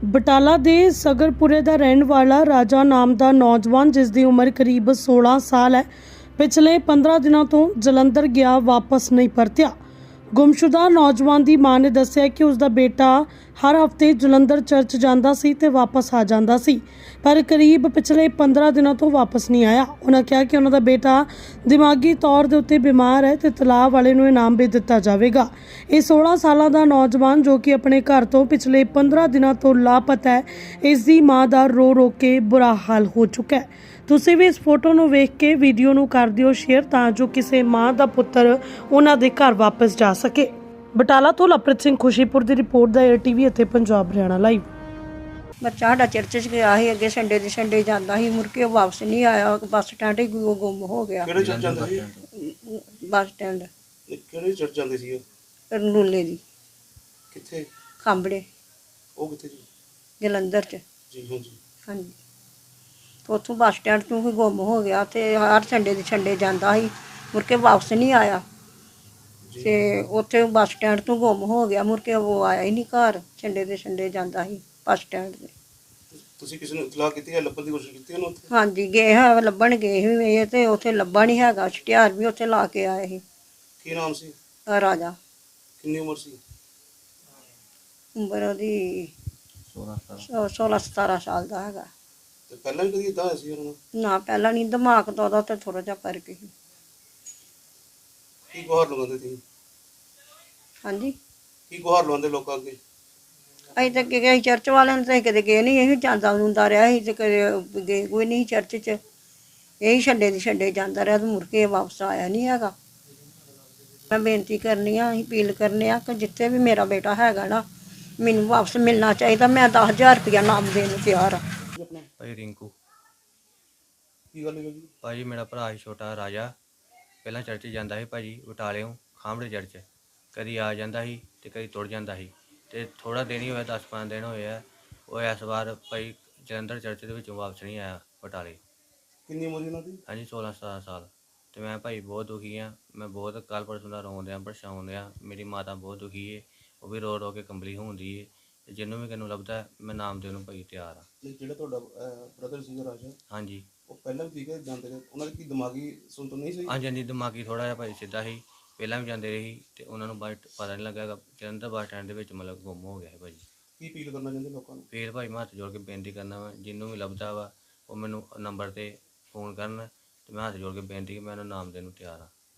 ਬਟਾਲਾ ਦੇ ਸਗਰਪੁਰੇ ਦਾ ਰਹਿਣ ਵਾਲਾ ਰਾਜਾ ਨਾਮ ਦਾ ਨੌਜਵਾਨ, ਜਿਸ ਦੀ ਉਮਰ ਕਰੀਬ 16 ਸਾਲ ਹੈ, ਪਿਛਲੇ 15 ਦਿਨਾਂ ਤੋਂ ਜਲੰਧਰ ਗਿਆ, ਵਾਪਸ ਨਹੀਂ ਪਰਤਿਆ। ਗੁੰਮਸ਼ੁਦਾ ਨੌਜਵਾਨ ਦੀ ਮਾਂ ਨੇ ਦੱਸਿਆ ਕਿ ਉਸ ਦਾ ਬੇਟਾ ਹਰ ਹਫ਼ਤੇ ਜਲੰਧਰ ਚਰਚ ਜਾਂਦਾ ਸੀ ਤੇ ਵਾਪਸ ਆ ਜਾਂਦਾ ਸੀ, ਪਰ ਕਰੀਬ ਪਿਛਲੇ 15 ਦਿਨਾਂ ਤੋਂ ਵਾਪਸ ਨਹੀਂ ਆਇਆ। ਉਹਨਾਂ ਕਿਹਾ ਕਿ ਉਹਨਾਂ ਦਾ ਬੇਟਾ ਦਿਮਾਗੀ ਤੌਰ ਦੇ ਉੱਤੇ ਬਿਮਾਰ ਹੈ ਤੇ ਤਲਾਅ ਵਾਲੇ ਨੂੰ ਇਨਾਮ ਵੀ ਦਿੱਤਾ ਜਾਵੇਗਾ। ਇਹ 16 ਸਾਲਾਂ ਦਾ ਨੌਜਵਾਨ, ਜੋ ਕਿ ਆਪਣੇ ਘਰ ਤੋਂ ਪਿਛਲੇ 15 ਦਿਨਾਂ ਤੋਂ ਲਾਪਤਾ ਹੈ, ਇਸ ਦੀ ਮਾਂ ਦਾ ਰੋ ਰੋ ਕੇ ਬੁਰਾ ਹਾਲ ਹੋ ਚੁੱਕਾ ਹੈ। ਤੁਸੀਂ ਵੀ ਇਸ ਫੋਟੋ ਨੂੰ ਵੇਖ ਕੇ ਵੀਡੀਓ ਨੂੰ ਕਰ ਦਿਓ ਸ਼ੇਅਰ, ਤਾਂ ਜੋ ਕਿਸੇ ਮਾਂ ਦਾ ਪੁੱਤਰ ਉਹਨਾਂ ਦੇ ਘਰ ਵਾਪਸ ਜਾ ਸਕੇ। ਬਟਾਲਾ ਤੋਂ ਲਵਪ੍ਰੀਤ ਸਿੰਘ ਖੁਸ਼ੀਪੁਰ ਦੀ ਰਿਪੋਰਟ ਦਾ ATV ਅਤੇ ਪੰਜਾਬ ਹਰਿਆਣਾ ਲਾਈਵ। ਬੱਚਾ ਸਾਡਾ ਚਰਚ 'ਚ ਗਿਆ ਸੀ, ਅੱਗੇ ਸੰਡੇ ਦੇ ਸੰਡੇ ਜਾਂਦਾ ਸੀ, ਮੁੜ ਕੇ ਉਹ ਵਾਪਸ ਨਹੀਂ ਆਇਆ। ਬੱਸ ਸਟੈਂਡ ਹੀ ਗੁੰਮ ਹੋ ਗਿਆ। ਕਿਹੜੇ ਚਰਚ ਜਾਂਦੇ ਸੀ? ਬੱਸ ਸਟੈਂਡ ਕਿਹੜੇ ਚਰਚ ਜਾਂਦੇ ਸੀ? ਰਨੂਲੇ ਦੀ ਕਿੱਥੇ? ਖਾਂਬੜੇ, ਉਹ ਕਿੱਥੇ ਜੀ? ਜਲੰਧਰ 'ਚ। ਜੀ ਹਾਂਜੀ। ਹਾਂਜੀ, ਉੱਥੋਂ ਬੱਸ ਸਟੈਂਡ ਤੋਂ ਹੀ ਗੁੰਮ ਹੋ ਗਿਆ ਤੇ ਹਰ ਸੰਡੇ ਦੇ ਸੰਡੇ ਜਾਂਦਾ ਸੀ, ਮੁੜ ਕੇ ਵਾਪਸ ਨਹੀਂ ਆਇਆ। ਤੇ ਉੱਥੇ ਬੱਸ ਸਟੈਂਡ ਤੋਂ ਗੁੰਮ ਹੋ ਗਿਆ, ਮੁੜ ਕੇ ਉਹ ਆਇਆ ਹੀ ਨਹੀਂ ਘਰ। ਸੰਡੇ ਦੇ ਸੰਡੇ ਜਾਂਦਾ ਸੀ ਬੱਸ ਸਟੈਂਡ 'ਤੇ। ਤੁਸੀਂ ਕਿਸੇ ਨੂੰ ਇਤਲਾਹ ਕੀਤੀ ਹੈ? ਲੱਭਣ ਦੀ ਕੋਸ਼ਿਸ਼ ਕੀਤੀ ਉਹਨੂੰ ਉੱਥੇ? ਹਾਂਜੀ, ਗਏ ਹੈ, ਲੱਭਣ ਗਏ ਸੀ ਇਹ, ਤੇ ਉੱਥੇ ਲੱਭਾ ਨਹੀਂ ਹੈਗਾ। ਛੁਟਿਆਰ ਵੀ ਉੱਥੇ ਲਾ ਕੇ ਆਏ ਸੀ। ਕੀ ਨਾਮ ਸੀ? ਰਾਜਾ। ਕਿੰਨੀ ਉਮਰ ਸੀ? ਉਮਰ ਉਹਦੀ 16-17 ਸਾਲ ਦਾ ਹੈਗਾ। ਤੇ ਪਹਿਲਾਂ ਵੀ ਕਦੀ ਇਦਾਂ ਹੋਇਆ ਸੀ ਉਹਨਾਂ ਨੂੰ? ਨਾ, ਪਹਿਲਾਂ ਨਹੀਂ, ਦਿਮਾਗ ਤੋਂ ਉਹਦਾ ਤੇ ਥੋੜਾ ਜਿਹਾ ਫਰਕ ਸੀ। ਕੀ ਗੁਹਾਰ ਲਗਾਉਂਦੇ ਸੀ? ਹਾਂਜੀ, ਕੀ ਗੁਹਾਰ ਲਗਾਉਂਦੇ ਲੋਕਾਂ ਅੱਗੇ? ਅਸੀਂ ਤਾਂ ਗਏ ਚਰਚ ਵਾਲਿਆਂ ਨੂੰ, ਤਾਂ ਅਸੀਂ ਕਦੇ ਗਏ ਨਹੀਂ। ਇਹੀ ਜਾਂਦਾ ਹੁੰਦਾ ਰਿਹਾ ਸੀ ਤੇ ਕਦੇ ਗਏ ਕੋਈ ਨਹੀਂ ਚਰਚ 'ਚ। ਇਹੀ ਛੱਡੇ ਦੀ ਛੱਡੇ ਜਾਂਦਾ ਰਿਹਾ ਤੇ ਮੁੜ ਕੇ ਵਾਪਸ ਆਇਆ ਨਹੀਂ ਹੈਗਾ। ਮੈਂ ਬੇਨਤੀ ਕਰਨੀ ਆ, ਅਸੀਂ ਅਪੀਲ ਕਰਨੇ ਆ ਕਿ ਜਿੱਥੇ ਵੀ ਮੇਰਾ ਬੇਟਾ ਹੈਗਾ ਨਾ, ਮੈਨੂੰ ਵਾਪਸ ਮਿਲਣਾ ਚਾਹੀਦਾ। ਮੈਂ 10,000 ਰੁਪਇਆ ਨਾਮ ਦੇਣ ਨੂੰ ਤਿਆਰ ਹਾਂ। ਭਾਈ ਰਿੰਕੂ। ਕੀ ਗੱਲ ਹੋਈ ਜੀ? ਭਾਜੀ ਮੇਰਾ ਭਰਾ ਸੀ ਛੋਟਾ ਰਾਜਾ, ਪਹਿਲਾਂ ਚਰਚ ਜਾਂਦਾ ਸੀ ਭਾਜੀ, ਬਟਾਲਿਓਂ ਖਾਂਬੜੇ ਚਰਚ। ਕਦੀ ਆ ਜਾਂਦਾ ਸੀ ਤੇ ਕਦੀ ਤੁਰ ਜਾਂਦਾ ਸੀ, ਤੇ ਥੋੜਾ ਦਿਨ ਹੀ ਹੋਇਆ, 10-15 ਦਿਨ ਹੋਏ ਆ। ਉਹ ਇਸ ਵਾਰ ਭਾਈ ਜਲੰਧਰ ਚਰਚ ਦੇ ਵਿੱਚੋਂ ਵਾਪਸ ਨਹੀਂ ਆਇਆ ਬਟਾਲੇ। ਕਿੰਨੀ ਉਮਰ ਸੀ ਉਹਨਾਂ ਦੀ? ਹਾਂਜੀ, 16-17 ਸਾਲ। ਤੇ ਮੈਂ ਭਾਈ ਬਹੁਤ ਦੁਖੀ ਹਾਂ। ਮੈਂ ਬਹੁਤ ਕੱਲ੍ਹ ਪਰਸੋਂ ਦਾ ਰੋਣ ਦਿਆਂ, ਪਰੇਸ਼ਾਨ ਦਿਆਂ। ਮੇਰੀ ਮਾਤਾ ਬਹੁਤ ਦੁਖੀ ਹੈ, ਉਹ ਵੀ ਰੋ ਰੋ ਕੇ ਕੰਬਲੀ ਹੁੰਦੀ ਹੈ। ਤੇ ਜਿਹਨੂੰ ਵੀ ਕਿਨੂੰ ਲੱਭਦਾ, ਮੈਂ ਨਾਮ ਦੇਣ ਨੂੰ ਭਾਈ ਤਿਆਰ ਹਾਂ। ਨਹੀਂ, ਜਿਹੜਾ ਤੁਹਾਡਾ ਬ੍ਰਦਰ ਸੀਗਾ ਰਾਜਾ, ਹਾਂਜੀ ਉਹ ਪਹਿਲਾਂ ਵੀ ਠੀਕ ਹੈ ਜਾਂਦੇ ਰਹੇ? ਉਹਨਾਂ ਦੀ ਕੀ ਦਿਮਾਗੀ ਸੁਣਤ ਨਹੀਂ ਸੀ? ਹਾਂਜੀ ਹਾਂਜੀ, ਦਿਮਾਗੀ ਥੋੜ੍ਹਾ ਜਿਹਾ ਭਾਈ ਸਿੱਧਾ ਸੀ, ਪਹਿਲਾਂ ਵੀ ਜਾਂਦੇ ਰਹੇ ਸੀ। ਤੇ ਉਹਨਾਂ ਨੂੰ ਪਤਾ ਨਹੀਂ ਲੱਗਾ, ਜਲੰਧਰ ਬੱਸ ਸਟੈਂਡ ਦੇ ਵਿੱਚ ਮਤਲਬ ਗੁੰਮ ਹੋ ਗਿਆ ਹੈ ਭਾਜੀ। ਕੀ ਅਪੀਲ ਕਰਨਾ ਚਾਹੁੰਦੇ ਲੋਕਾਂ ਨੂੰ? ਫਿਰ ਭਾਈ ਮੈਂ ਹੱਥ ਜੋੜ ਕੇ ਬੇਨਤੀ ਕਰਨਾ ਵਾ, ਜਿਹਨੂੰ ਵੀ ਲੱਭਦਾ ਵਾ ਉਹ ਮੈਨੂੰ ਨੰਬਰ 'ਤੇ ਫੋਨ ਕਰਨ, ਤੇ ਮੈਂ ਹੱਥ ਜੋੜ ਕੇ ਬੇਨਤੀ ਕਿ ਮੈਂ ਉਹਨੂੰ ਨਾਮ ਦੇਣ ਨੂੰ ਤਿਆਰ ਹਾਂ।